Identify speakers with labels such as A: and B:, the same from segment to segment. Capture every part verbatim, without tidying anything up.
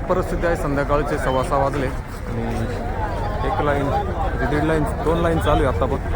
A: परिस्थिती आहे, संध्याकाळचे सव्वा सहा वाजले आणि एक लाईन म्हणजे दीड लाईन दोन लाईन चालू आहे आता पण.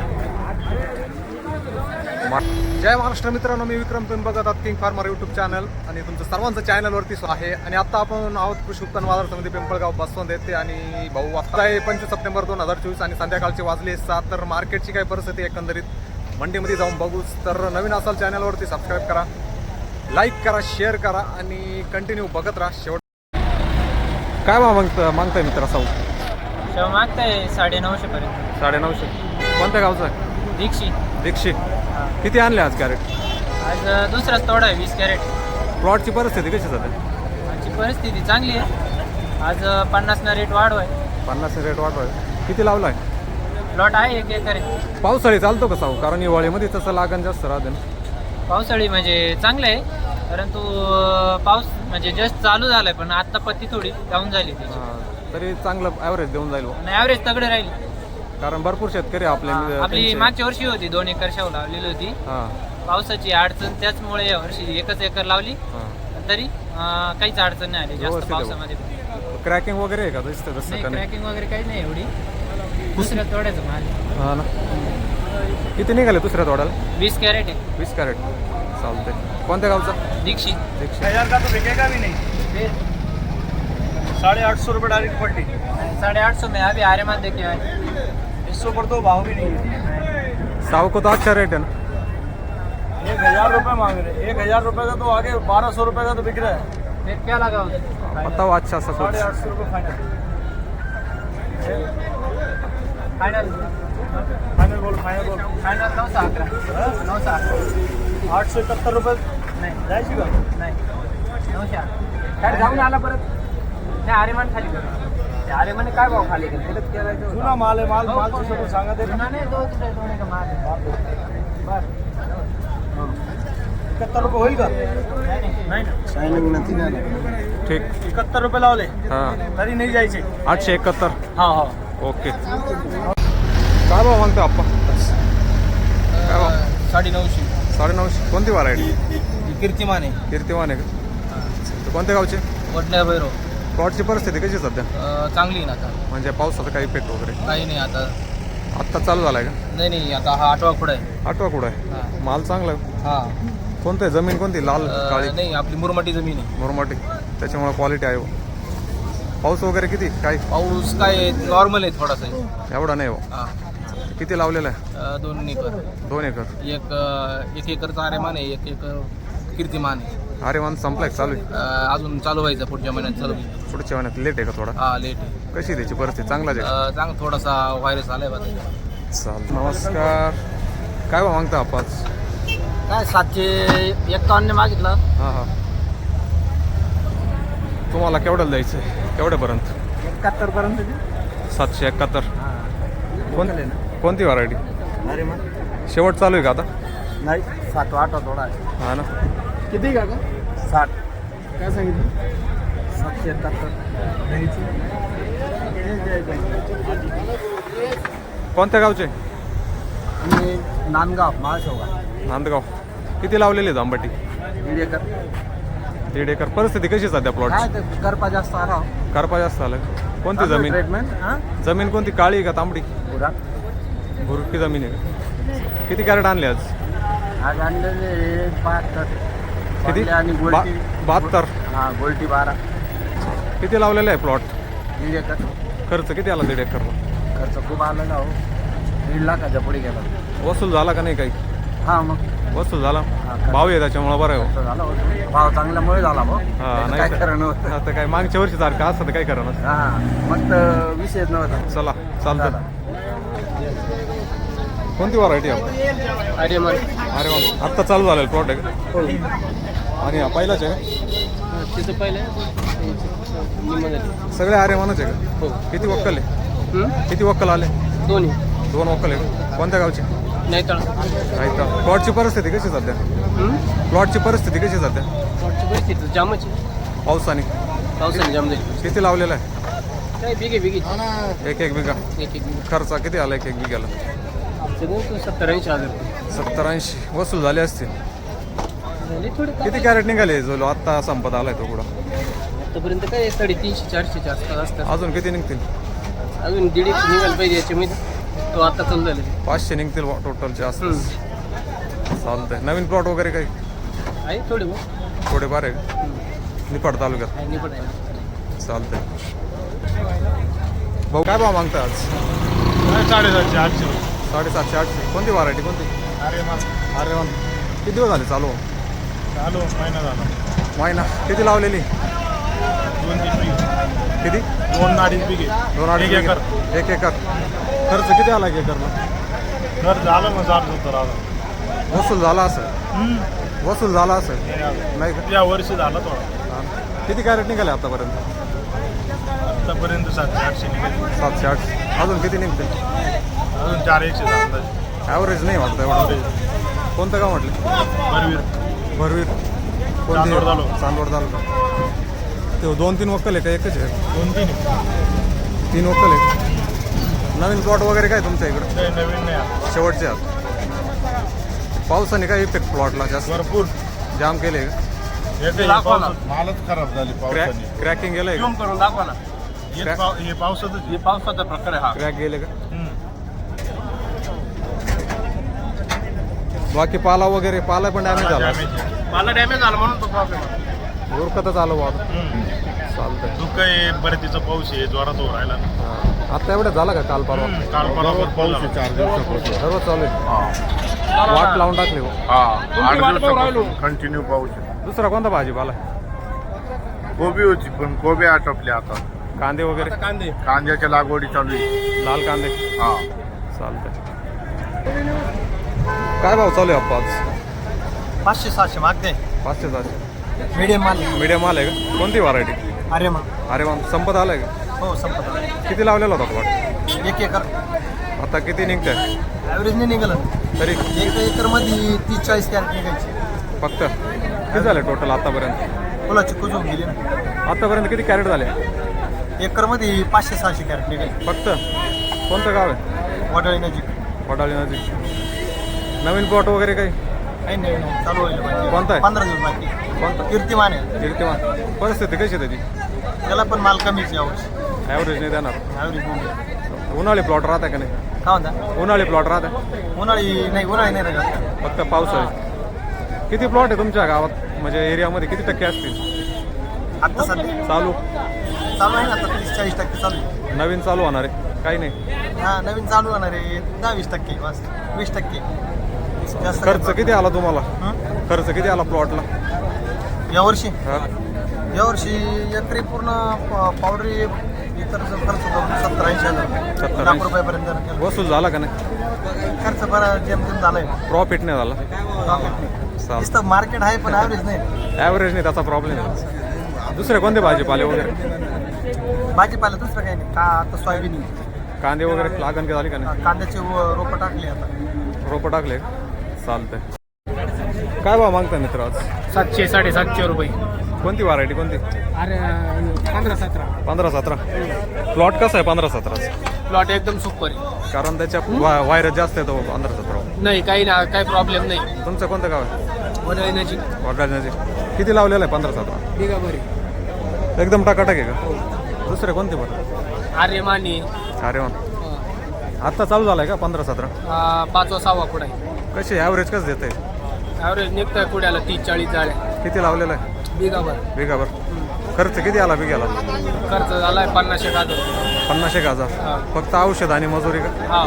A: जय महाराष्ट्र मित्रांनो, मी विक्रम, तुम्ही बघत आहात किंग फार्मर यूट्यूब चॅनल आणि तुमचं सर्वांचं चॅनलवरती आहे. आणि आता आपण आहोत कृषी उत्पन्न बाजार समिती पिंपळगाव बसवंत येते. आणि भाऊ आता आहे पंचवीस सप्टेंबर दोन हजार चोवीस आणि संध्याकाळचे वाजले सात. तर मार्केटची काय परिस्थिती एकंदरीत मंडीमध्ये जाऊन बघूच. तर नवीन असाल चॅनलवरती सबस्क्राईब करा, लाईक करा, शेअर करा आणि कंटिन्यू बघत राहा शेवट. काय भाव मागता मागताय मित्र साऊ?
B: शेव मागताय साडे नऊशे पर्यंत.
A: साडे नऊशे. कोणत्या गावचा आहे?
B: दीक्षी.
A: दीक्षी. किती आणले आज कॅरेट?
B: आज दुसराच तोडा आहे, वीस कॅरेट.
A: प्लॉटची परिस्थिती कशी जाते?
B: आजची परिस्थिती चांगली आहे. आज पन्नासना रेट वाढ आहे.
A: पन्नास रेट वाढवाय. किती लावला आहे?
B: प्लॉट आहे एक एकर आहे.
A: पावसाळी चालतो का साऊ? कारण हिवाळीमध्ये तसं लागण जास्त राहते ना.
B: पावसाळी म्हणजे चांगलं आहे, परंतु पाऊस म्हणजे जस्ट चालू झालाय, पण आता पत्ती थोडी डाऊन झाली त्याची.
A: हा, तरी चांगलं ॲव्हरेज देऊन जाईल बुवा.
B: आणि ॲव्हरेज तगडे राहील.
A: कारण भरपूर शेतकरी आपल्या
B: आपली
A: त्यांचे-
B: मागच्या वर्षी होती दोन एकर शेव लावलेली होती.
A: हा
B: पावसाची अडचण त्याचमुळे या वर्षी एकच एकर लावली,
A: हा.
B: तरी अं, काहीच अडचण नाही आली जास्त
A: व्यवस्थित आहे
B: पावसामध्ये.
A: क्रॅकिंग वगैरे आहे का दिसतं तसं
B: नाही,
A: का नाही?
B: क्रॅकिंग वगैरे काही नाही एवढी. दुसऱ्या तोड्याचं माल
A: हा ना. किती निघाले दुसऱ्या तोड्याला?
B: वीस कॅरेट आहे.
A: वीस कॅरेट. चालते. कोणत्या गावचा?
B: दीक्षी.
A: दीक्षित.
C: हजार का तो बिकेगा भी नहीं.
B: फिर
C: साढ़े आठ सौ रुपये डायरेक्ट पट्टी.
B: साढ़े आठ सौ में अभी आर्यमान देखे आए.
C: इस सौ पर तो भाव भी नहीं है.
A: साव को तो अच्छा रेट है ना?
C: एक हजार रुपये मांग रहे. एक हजार रुपये का तो आगे बारह सौ रुपये का तो बिक रहा है.
B: फिर क्या लगा उसमें?
A: बताओ अच्छा सा
C: साढ़े
A: कुछ.
C: आठ सौ रुपये फाइनल.
B: फाइनल
C: फाइनल बोल फाइनल बोल.
B: फाइनल नौ सौ अकरा. नौ सौ अकरा.
C: आठ सौ इकहत्तर रुपये
B: नाही
C: जायची का?
B: नाही नऊशे अकरा. काय जाऊन आला परत? नाही, आर्यमान खाली कर. आर्यमान काय भाव खाली केलं?
C: जुना माल आहे. माल माल सोबत सांगा ते.
B: नाही, दो दोने का माल आहे. बरं.
C: इकहत्तर रुपये होईल का?
B: नाही ना.
A: ठीक.
C: इकहत्तर रुपये लावले
A: हां,
C: तरी नाही जायचे.
A: आठशे एकाहत्तर.
C: हा हा.
A: ओके. काय भाव मागतो आप्पा? काय भाव?
C: साडे नऊशे.
A: साडे नऊशे. कोणती व्हरायटी?
C: कीर्तिमान आहे.
A: कीर्तिवान आहे का? तर कोणत्या गावचे?
C: वडल्या भैरव.
A: प्लॉटची परिस्थिती कशी आहे सध्या?
C: चांगली आहे ना आता.
A: म्हणजे पावसाचा काही इफेक्ट वगैरे
C: काही नाही आता.
A: आत्ता चालू झाला आहे का?
C: नाही नाही, आता हा आठवा पुढं आहे.
A: आठवा कुठं आहे?
C: हा.
A: माल चांगला आहे.
C: हा.
A: कोणतं आहे? जमीन कोणती? लाल काळी
C: अं, नाही, आपली मुरमाटी जमीन आहे.
A: मुरमाटी. त्याच्यामुळे क्वालिटी आहे. पाऊस वगैरे किती? काय
C: पाऊस काय नॉर्मल आहे थोडासा आहे.
A: एवढा नाही हो.
C: हा.
A: किती लावलेला आहे?
C: अं, दोन एकर.
A: दोन एकर.
C: एक अं, एक एकरचा आरेमान आहे, एक एकर कीर्तिमान आहे.
A: अरे मान संपलाय का? चालू आहे?
C: अं, अजून चालू व्हायचं पुढच्या महिन्यात चालू होईल.
A: पुढच्या महिन्यात लेट आहे का थोडा?
C: हा, लेट आहे.
A: कशी आहे त्याची परिस्थिती? चांगलाच आहे.
C: अं, चांग थोडासा व्हायरस आलाय बा.
A: चाल. नमस्कार. काय भाव मागता आपण?
B: काय सातशे एक्कावन्न मागितलं.
A: हां हां. तुम्हाला केवढ्याला द्यायचं आहे? केवढ्यापर्यंत?
B: एकाहत्तर पर्यंत.
A: सातशे एकाहत्तर. कोण कोणती व्हरायटी?
B: अरे मग
A: शेवट चालू आहे का आता?
B: नाही, सात आठ थोडा आहे.
A: हां ना.
B: किती का साठ.
A: काय सांगितलं?
B: सातशे एकाहत्तर.
A: कोणत्या गावचे?
B: आणि नांदगाव महाशोगा.
A: नांदगाव. किती लावलेली आहे आंबाटी?
B: दीड एकर.
A: दीड एकर. परिस्थिती कशी आहे सध्या
B: काय
A: प्लॉटची?
B: ते करपा जास्त आला.
A: करपा जास्त आलं. कोणती जमीन?
B: ट्रीटमेंट. हां,
A: जमीन कोणती? काळी आहे का तांबडी?
B: पुरा.
A: भुरकी जमीन आहे का? किती कॅरेट आणले आज?
B: आज आणलेले बहात्तर.
A: किती?
B: वांगे आणि
A: बा
B: गोल्टी.
A: बहात्तर.
B: हां, गोल्टी बारा.
A: किती लावलेलं आहे प्लॉट?
B: दीड एकर.
A: खर्च किती आला दीड एकरला?
B: खर्च खूप आला ना हो. दीड लाखाच्या पुढे गेला.
A: वसूल झाला का नाही काही?
B: हां, मग
A: वसूल झाला.
B: खर्च.
A: भाव आहे त्याच्यामुळे बरं आहे हो.
B: खर्च झाला होता. भाव चांगल्यामुळे झाला भाऊ.
A: हा,
B: त्याचं
A: नाही
B: काय
A: तर-
B: खरं नव्हतं.
A: आता काय मागच्या वर्षी सारखं असतं तर काय करा ना.
B: हां, मग तर विषयच नव्हता.
A: चला चालतं. कोणती व्हरायटी आहे?
B: अरे मग
A: अरे वा. आत्ता चालू झालेलं प्लॉट आहे का? आणि हा पहिलाच आहे का?
B: तिथं पहिले
A: सगळे आर्यमानच आहे का?
B: हो.
A: किती वक्कल आहे? किती वक्कल आले?
B: दोन्ही.
A: दोन वक्कल आहे. कोणत्या गावचे?
B: नाही तर
A: नाही तर. प्लॉटची परिस्थिती कशी सध्या? प्लॉटची परिस्थिती कशी सध्या?
B: परिस्थिती जामच.
A: पावसाने
B: पावसाने जाम झाली.
A: किती लावलेला आहे?
B: काय बिगे बिगे
A: एक एक बिघा.
B: एक एक
A: खर्च किती आला एक एक बिघाला?
B: सत्तर ऐंशी हजार
A: सत्तर ऐंशी वसूल झाले असतील.
B: झाले थोडे.
A: किती कॅरेट निघाले जो आत्ता संपत आलाय तो कुठं?
B: आतापर्यंत काय साडेतीनशे चारशेच्या आसपास असतात.
A: अजून किती निघतील?
B: अजून दीड एकशे निघायला पाहिजे याच्यामध्ये. तो आता चालू झाले.
A: पाचशे निघतील टोटलचे आसपास. चालतंय. नवीन प्लॉट वगैरे काही
B: आहे थोडे बहुत
A: थोडेफार आहे का? निफाड तालुक्यात.
B: आहे निपट आहे.
A: चालतंय. भाऊ काय भाव मागता आज?
C: साडेसातशे आठशे
A: साडेसातशे आठशे. कोणती व्हरायटी कोणती?
C: अरे मग
A: अरे वा. किती दिवस झाले चालू?
C: चालू महिना झाला.
A: महिना. किती लावलेली?
C: दोन तीन बिघे.
A: किती?
C: दोन अडीच बिघे.
A: दोन अडीच
C: एक एकर.
A: एकर. एक एकर. खर्च किती आला एक एकरला?
C: घर झालं मग साठ सत्तर आलं.
A: वसूल झाला असेल? वसूल झाला असेल नाही का?
C: या वर्षी झालं थोडं.
A: हा. किती कॅरेट निघाले आतापर्यंत?
C: आतापर्यंत सातशे आठशे निघाले.
A: सातशे आठशे. अजून किती निघते?
C: अजून चार एकशे झालं.
A: ॲव्हरेज नाही वाटतं एवढं. कोणतं गाव म्हटलं?
C: बरवीर.
A: भरवीर.
C: चांदवड तालुका.
A: चांदवड तालुका. ते दोन तीन वक्कल आहे का एकच आहे?
C: दोन तीन
A: तीन वक्कल आहे. नवीन प्लॉट वगैरे काय तुमच्या इकडं?
C: काही नवीन नाही आता.
A: शेवटचे आहात. पावसाने काय इफेक्ट प्लॉटला जास्त
C: भरपूर
A: जाम केले का?
C: येते
B: दाखवा
C: मालच खराब झाली
A: क्रॅक
C: पावसाने.
A: क्रॅकिंग गेलंय का?
B: झूम करून दाखवा ना.
C: हे पाव- हे पावसातच
B: हे पावसाचा प्रकार आहे हा.
A: क्रॅक गेले का?
C: हम्म.
A: बाकी पाला वगैरे पाला पण डॅमेज झाला
C: डॅमेज.
B: मला डॅमेज झाला म्हणून तो प्रॉब्लेम.
A: उरकतच आलो बाबा.
C: हम्म.
A: चालतंय.
C: दुःख आहे परतीचा पाऊस आहे जोरात हो राहिला.
A: हा. आता एवढं झालं का काल परवा?
C: हम्म. काल परवा पाऊस आहे चार दिवसापासून.
A: सर्व चालू आहे. वाट लावून टाकली हो.
C: हा आठ दिवसापासून कंटिन्यू पाऊस आहे.
A: दुसरा कोणता भाजीपाला?
C: कोबी होती पण कोबी आटपल्या आता.
A: कांदे वगैरे?
B: कांदे
C: कांद्याच्या लागवडी चालू आहे.
A: लाल कांदे.
C: हा
A: चालतंय. काय भाव चालू आहे अप्पा आज?
B: पाचशे सहाशे मागते.
A: पाचशे सहाशे.
B: मीडियम माल.
A: मीडियम माल आहे का? कोणती व्हरायटी?
B: अरे मग
A: अरे वा. संपत आलाय का?
B: हो संपत.
A: किती लावलेला होता प्लॉट?
B: एक एकर.
A: आता किती निघतंय
B: ॲव्हरेज नाही निघालं.
A: तरी?
B: एक एकर मध्ये तीस चाळीस कॅरेट निघायचे.
A: फक्त किती झाले टोटल आतापर्यंत?
B: फुलाची कुज होऊन गेली ना.
A: आतापर्यंत किती कॅरेट झाले?
B: एकर मध्ये पाचशे सहाशे कॅरेट निघाले.
A: फक्त? कोणतं गाव आहे?
B: वडाळी नजीक.
A: वडाळी नजीक. नवीन प्लॉट वगैरे काही?
B: काही नाही नाही चालू होईल पाहिजे.
A: कोणता आहे?
B: पंधरा दिवस बाकी.
A: कोणतं?
B: कीर्तिमान आहे.
A: कीर्तिमान. परिस्थिती कशी आहे त्याची?
B: त्याला पण माल कमीच यावर्षी.
A: ॲव्हरेज नाही देणार.
B: ॲव्हरेज बघू.
A: उन्हाळी प्लॉट राहता का नाही?
B: काय म्हणता?
A: उन्हाळी प्लॉट राहता?
B: उन्हाळी नाही उन्हाळी नाही राहत.
A: फक्त पावसाळी. किती प्लॉट आहे तुमच्या गावात म्हणजे एरियामध्ये किती टक्के असतील
B: आत्ता सध्या
A: चालू?
B: चालू आहे ना आता तीस चाळीस टक्के चालू आहे.
A: नवीन चालू होणार आहे काही नाही?
B: हा नवीन चालू होणार आहे दहा वीस टक्के बस वीस टक्के जास्त
A: खर्च किती आला तुम्हाला?
B: हं?
A: खर्च किती आला प्लॉटला?
B: यावर्षी
A: हा?
B: यावर्षी एकरी पूर्ण प- पावडरी इतरचा खर्च करून सत्तर ऐंशी हजार
A: सत्तर
B: लाख
A: ऐंशी.
B: रुपयापर्यंत केला.
A: वसूल झाला का नाही?
B: खर्च बरा जेमतेम झालाय.
A: प्रॉफिट नाही झाला? चालतं.
B: नुसतं मार्केट आहे पण ॲव्हरेज नाही.
A: ॲव्हरेज नाही त्याचा प्रॉब्लेम आहे. दुसरे कोणते भाजीपाले वगैरे?
B: भाजीपाला दुसरं काही नाही का आता सोयाबीन
A: कांदे वगैरे लागण का झाली का नाही?
B: कांद्याचे व- रोपं टाकली आता.
A: रोपं टाकले? चालतंय. काय भाव मागता मित्र आज?
B: सातशे साडेसातशे रुपये.
A: कोणती व्हरायटी कोणती?
B: अरे पंधरा सतरा.
A: पंधरा सतरा. प्लॉट कसा आहे पंधरा सतराचा?
B: प्लॉट एकदम सुपर आहे.
A: कारण त्याच्या व्हा- व्हायरस जास्त येतो पंधरा सतरा.
B: नाही काही ना काही प्रॉब्लेम नाही.
A: तुमचं कोणतं गाव आहे?
B: वडाळी नजीक.
A: वडाळी. किती लावलेलं आहे पंधरा सतरा?
B: बिगा बरी.
A: एकदम टाकाटाक आहे का? दुसरे कोणते बरं?
B: आर्यमानी.
A: अरे वा. आत्ता चालू झालाय का पंधरा सतरा?
B: पाचवा सहावा कुठं आहे.
A: कशी ॲव्हरेज कसं देत आहे?
B: ॲव्हरेज निघतंय कुड्याला तीस चाळीस जाळ्या.
A: किती लावलेलं आहे?
B: बिगाभर.
A: बिगावर. खर्च किती आला बिघ्याला?
B: खर्च झालाय पन्नास एक हजार.
A: पन्नास एक हजार.
B: हा.
A: फक्त औषध आणि मजुरी का?
B: हा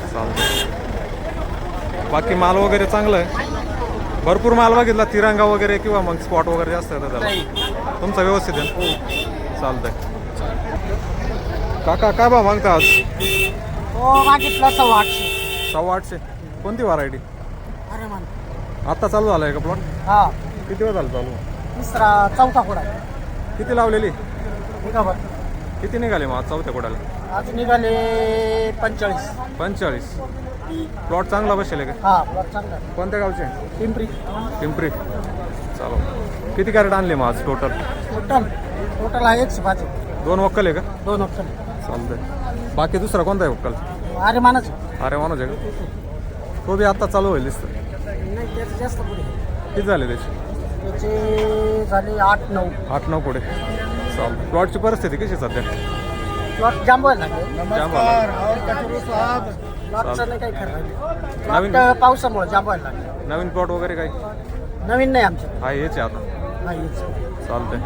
A: चालतं. बाकी माल वगैरे चांगलं आहे? भरपूर माल बघितला तिरंगा वगैरे किंवा मग स्पॉट वगैरे जास्त येतं त्याला?
B: नाही.
A: तुमचा व्यवस्थित आहे ना? चालतंय. काका काय भाव मागता आज?
B: हो मागितला सव्वा आठशे.
A: सव्वा आठशे. कोणती व्हरायटी?
B: अरे मान.
A: आत्ता चालू झालं आहे का प्लॉट?
B: हा
A: किती वेळ झालं चालू?
B: तिसरा चौथा कुडा.
A: किती लावलेली?
B: बिगाभर.
A: किती निघाले मग आज चौथ्या कोड्याला?
B: आज निघाले पंचेचाळीस.
A: पंचेचाळीस. प्लॉट चांगला बसेल का?
B: हा प्लॉट चांगला.
A: कोणत्या गावचे?
B: पिंपरी.
A: पिंपरी. चालू. किती कॅरेट आणले मग आज टोटल?
B: टोटल टोटल आहे एकशे पाच.
A: दोन वक्कल आहे का?
B: दोन ऑप्शन.
A: चालतंय. बाकी दुसरा कोणता आहे वक्कल?
B: अरे मानाच.
A: अरे मानोज आहे का? तो बी आत्ता चालू होईल दिसतं.
B: नाही त्याचं जास्त पुढे.
A: किती झाले त्याचे?
B: त्याचे झाले आठ नऊ.
A: आठ नऊ पुढे. चालतं. प्लॉटची परिस्थिती कशी आहे सध्या?
B: प्लॉट जांब व्हायला लागले.
C: नमस्कार और कचरू साहब.
B: प्लॉटचं नाही काही खरं.
A: नवीन-
B: प्लॉट पावसामुळे जांब व्हायला लागले.
A: नवीन प्लॉट वगैरे काही
B: नवीन नाही आमचं.
A: हा हेच आहे आता.
B: नाही हेच.
A: चालतंय.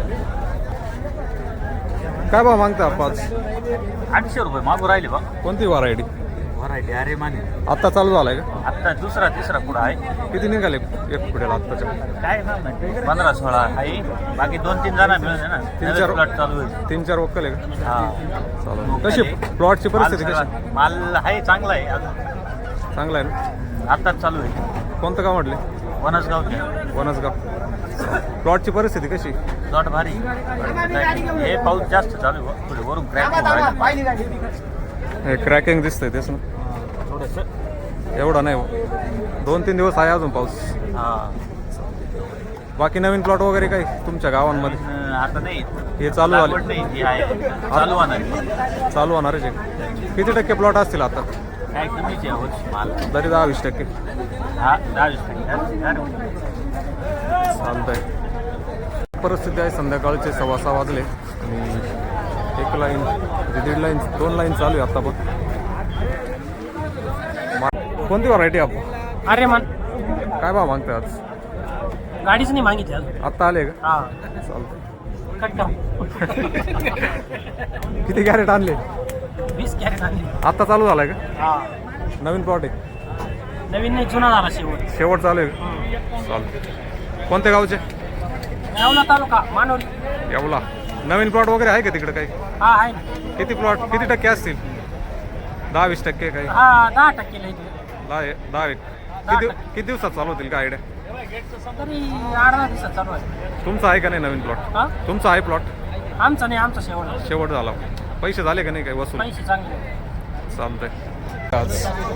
A: काय भाव मागता पाच?
D: आठशे रुपये मागू राहिले बा
A: कोणती व्हरायटी?
D: व्हरायटी अरे माने
A: आत्ता चालू झालाय का?
D: आत्ता दुसरा तिसरा पुढं आहे.
A: किती निघाले एक पुढे आत्ताच्या?
D: काय ना पंधरा सोळा आहे. बाकी दोन तीन जण मिळून आहे ना.
A: तीन चार-
D: प्लॉट चालू आहे.
A: तीन चार वक्कल आहे का?
D: हा
A: चालू. कशी प्लॉटची परिस्थिती
D: माल
A: कशी?
D: सगळा- माल आहे चांगला आहे अजून
A: चांगला आहे ना?
D: आत्ताच चालू आहे.
A: कोणतं गाव म्हटले?
D: वनसगावचे
A: वनसगाव. प्लॉटची परिस्थिती कशी?
D: प्लॉट भारी. हे पाऊस जास्त चालू आहे. पुढे वरून क्रॅक
A: हे क्रॅकिंग दिसतंय तेच ना?
D: थोडस.
A: एवढा नाही हो. दोन तीन दिवस आहे अजून पाऊस.
D: हा
A: बाकी नवीन प्लॉट वगैरे काही तुमच्या गावांमध्ये?
D: पण आता नाही.
A: हे चालू
D: लागवड
A: झाले?
D: नाही ती आहे चालू होणार.
A: चालू होणारच आहे. किती टक्के प्लॉट असतील आता?
D: काय कमीच आहे यावर्षी माल.
A: तरी दहा वीस टक्के.
D: हा दहा वीस टक्के.
A: चालतंय. परिस्थिती आहे संध्याकाळचे सव्वा सहा वाजले आणि एक लाईन म्हणजे दीड लाईन दोन लाईन चालू आहे आता पण. कोणती व्हरायटी आपण?
B: अरे मन
A: काय भाव मागताय आज?
B: गाडीच नाही मागितली अजून.
A: आत्ता आले का?
B: हा
A: चालतं.
B: कट कर.
A: किती कॅरेट आणले?
B: वीस कॅरेट आणली.
A: आत्ता चालू झालाय का?
B: हा
A: नवीन प्लॉट आहे?
B: नवीन नाही जुना झाला शेवट.
A: शेवट चालू आहे का? चालतं. कोणत्या गावचे?
B: येवला तालुका मानवली.
A: येवला. नवीन प्लॉट वगैरे आहे का तिकडे काही?
B: हा आहे ना.
A: किती प्लॉट किती टक्के असतील? दहा वीस टक्के काही?
B: हा दहा टक्के लई.
A: दहा दहा एक. किती किती दिवसात चालू होतील का आयडिया?
B: तरी आठ दहा दिवसात चालू आहे.
A: तुमचा आहे का नाही नवीन प्लॉट?
B: हा
A: तुमचा आहे प्लॉट?
B: आमचा नाही आमचा शेवट.
A: शेवट झाला. पैसे झाले का नाही काही वसूल?
B: पैसे चांगले.
A: चालतंय. आज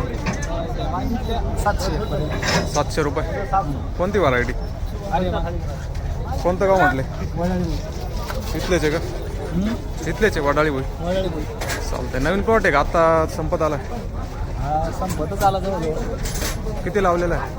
B: सातशे.
A: सातशे रुपये. कोणती व्हरायटी? कोणतं गाव म्हटले? इथलेच आहे का? इथलेच आहे वडाळी बोई. चालतंय. नवीन प्लॉट आहे का आता संपत आला?
B: संपतच आला जवळ.
A: किती लावलेला आहे?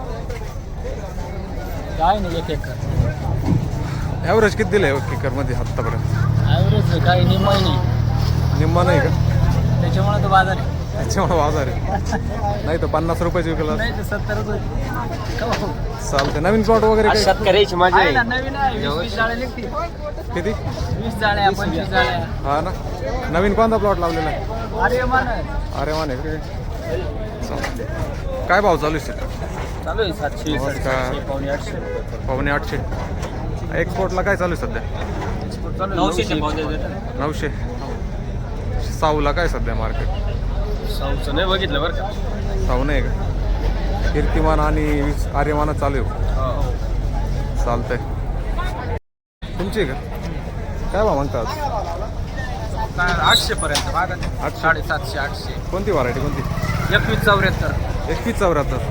B: काय नाही एक एकर.
A: ॲव्हरेज किती दिलं आहे किकरमध्ये आत्तापर्यंत?
B: ॲव्हरेज काय निम्मा नाही.
A: निम्मा नाही का?
B: त्याच्यामुळे तो बाजार आहे.
A: त्याच्यामुळे बाजार आहे. नाही तर पन्नास रुपयाची विकला.
B: नाही तर सत्तरच होईल.
A: चालतंय. नवीन प्लॉट वगैरे काही?
B: शेतकऱ्याची माझी आहे ना. नवीन आहे. वीस वीस जाळे निघतील.
A: किती?
B: वीस जाळ्या पंचवीस जाळ्या.
A: हा ना. नवीन कोणता प्लॉट लावलेला आहे?
B: अरे मान
A: अरे मान आहे का? चालतंय. काय भाव चालू आहे?
B: चालू आहे सातशे
A: नमस्कार.
B: सातशे पावणे आठशे रुपये.
A: पावणे आठशे. एक्सपोर्टला काय चालू आहे सध्या?
B: नऊशेचे पाव देतात.
A: नऊशे. साऊला काय सध्या मार्केट?
B: साऊचं नाही बघितलं बरं का.
A: साऊ नाही का? कीर्तिमान आणि आर्यमान चालू आहे. चालतंय. तुमची आहे का? काय भाव म्हणतात?
B: आठशे पर्यंत मागत.
A: आठशे.
B: साडेसातशे आठशे.
A: कोणती व्हरायटी कोणती?
B: एकवीस चौऱ्याहत्तर.
A: एकवीस चौऱ्याहत्तर.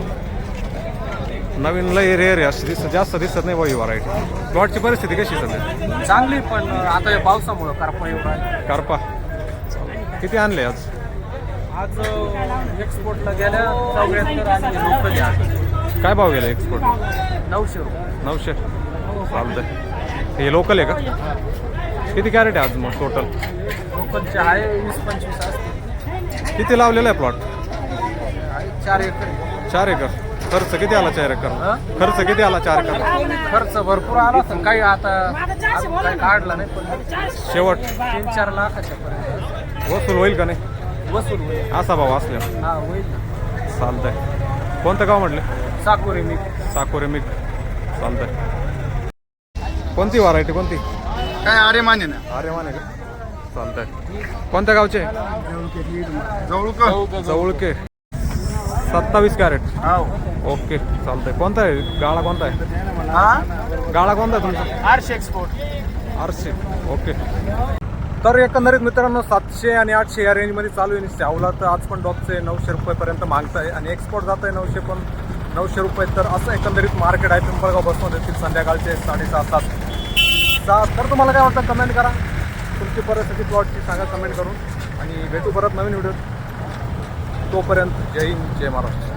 A: नवीन लय रेअर आहे अशी दिसत जास्त दिसत नाही बाई व्हरायटी. प्लॉटची परिस्थिती कशी आहे सध्या?
B: चांगली पण आता या पावसामुळं करपा एवढा आहे.
A: करपा. किती आणले आज?
B: आज एक्सपोर्टला गेल्या चौऱ्याहत्तर आणि लोकल घ्या
A: काय भाव गेला एक्सपोर्ट?
B: नऊशे रुपये.
A: नऊशे. चालतंय. हे लोकल आहे का? किती कॅरेट आहे आज मग टोटल?
B: लोकलचे आहे वीस पंचवीस असते.
A: किती लावलेला आहे प्लॉट?
B: चार एकर.
A: चार एकर. खर्च किती आला चार एकर? खर्च किती आला चार एकर?
B: खर्च भरपूर आला पण काही आता अजून काही काढला नाही पण
A: शेवट
B: तीन चार लाखाच्या पर्यंत
A: वसूल होईल का नाही?
B: वसूल होईल.
A: असा भाव असल्या
B: हा होईल ना.
A: चालतंय. कोणतं गाव म्हटलं?
B: साकोरे मी
A: साकोरे मीठ. चालतंय. कोणती व्हरायटी कोणती?
C: काय अरे माने ना.
A: अरे माने का? चालतंय. कोणत्या गावचे?
C: जवळ
A: जवळके. सत्तावीस कॅरेट.
B: हो.
A: ओके. चालतंय. कोणता आहे गाळा? कोणता आहे
B: हा
A: गाळा? कोणता आहे तुमचा?
B: आठशे एक्सपोर्ट.
A: आरसी. ओके. तर एकंदरीत मित्रांनो सातशे आणि आठशे या रेंजमध्ये चालू आहे. शावला तर आज पण डॉपचे नऊशे रुपयेपर्यंत मागत आहे आणि एक्सपोर्ट जात आहे नऊशे पण नऊशे रुपये. तर असं एकंदरीत मार्केट आहे पिंपळगाव बसमध्ये येथील संध्याकाळचे साडेसहा सात सात. तर तुम्हाला काय वाटतं कमेंट करा. तुमची परिस्थिती प्लॉटची सांगा कमेंट करून आणि भेटू परत नवीन व्हिडिओ. तोपर्यंत जय हिंद जय महाराष्ट्र.